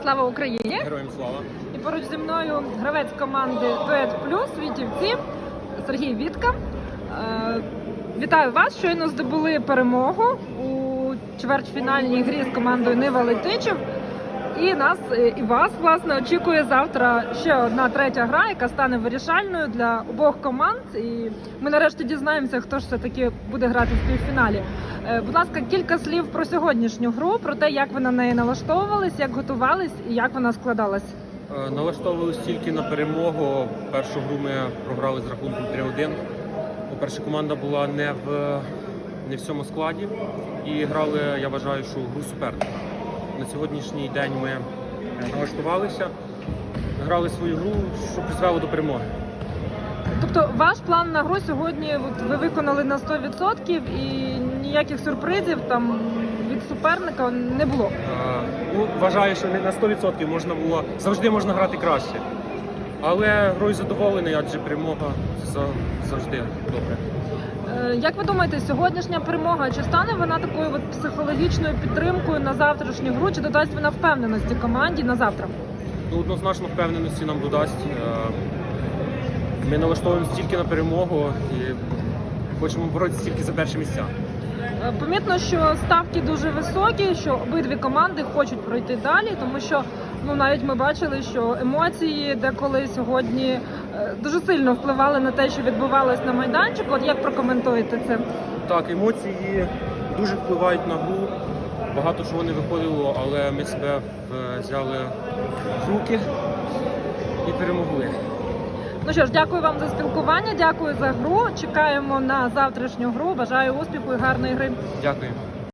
Слава Україні! Героям слава! І поруч зі мною гравець команди Дует Плюс Вітівці Сергій Вітка. Вітаю вас! Щойно здобули перемогу у чвертьфінальній грі з командою Нива Летичів. І нас, і вас, власне, очікує завтра ще одна третя гра, яка стане вирішальною для обох команд. І ми нарешті дізнаємося, хто ж все-таки буде грати в півфіналі. Будь ласка, кілька слів про сьогоднішню гру, про те, як ви на неї налаштовувались, як готувались і як вона складалась. Налаштовувались тільки на перемогу. Першу гру ми програли з рахунком 3-1. По-перше, команда була не в цьому складі і грали, я вважаю, що гру суперника. На сьогоднішній день ми налаштувалися, грали свою гру, що призвело до перемоги. Тобто ваш план на гру сьогодні ви виконали на 100% і ніяких сюрпризів там від суперника не було? Вважаю, що не на 100% можна було, завжди можна грати краще. Але грою задоволений, адже перемога завжди добре. Як ви думаєте, сьогоднішня перемога, чи стане вона такою от психологічною підтримкою на завтрашню гру, чи додасть вона впевненості команді на завтра? Однозначно впевненості нам додасть. Ми налаштовуємося тільки на перемогу і хочемо боротися тільки за перші місця. Помітно, що ставки дуже високі, що обидві команди хочуть пройти далі, тому що навіть ми бачили, що емоції деколи сьогодні дуже сильно впливали на те, що відбувалось на майданчику. От як прокоментуєте це? Так, емоції дуже впливають на гру. Багато чого не виходило, але ми себе взяли в руки і перемогли. Ну що ж, дякую вам за спілкування, дякую за гру. Чекаємо на завтрашню гру. Бажаю успіху і гарної гри. Дякую.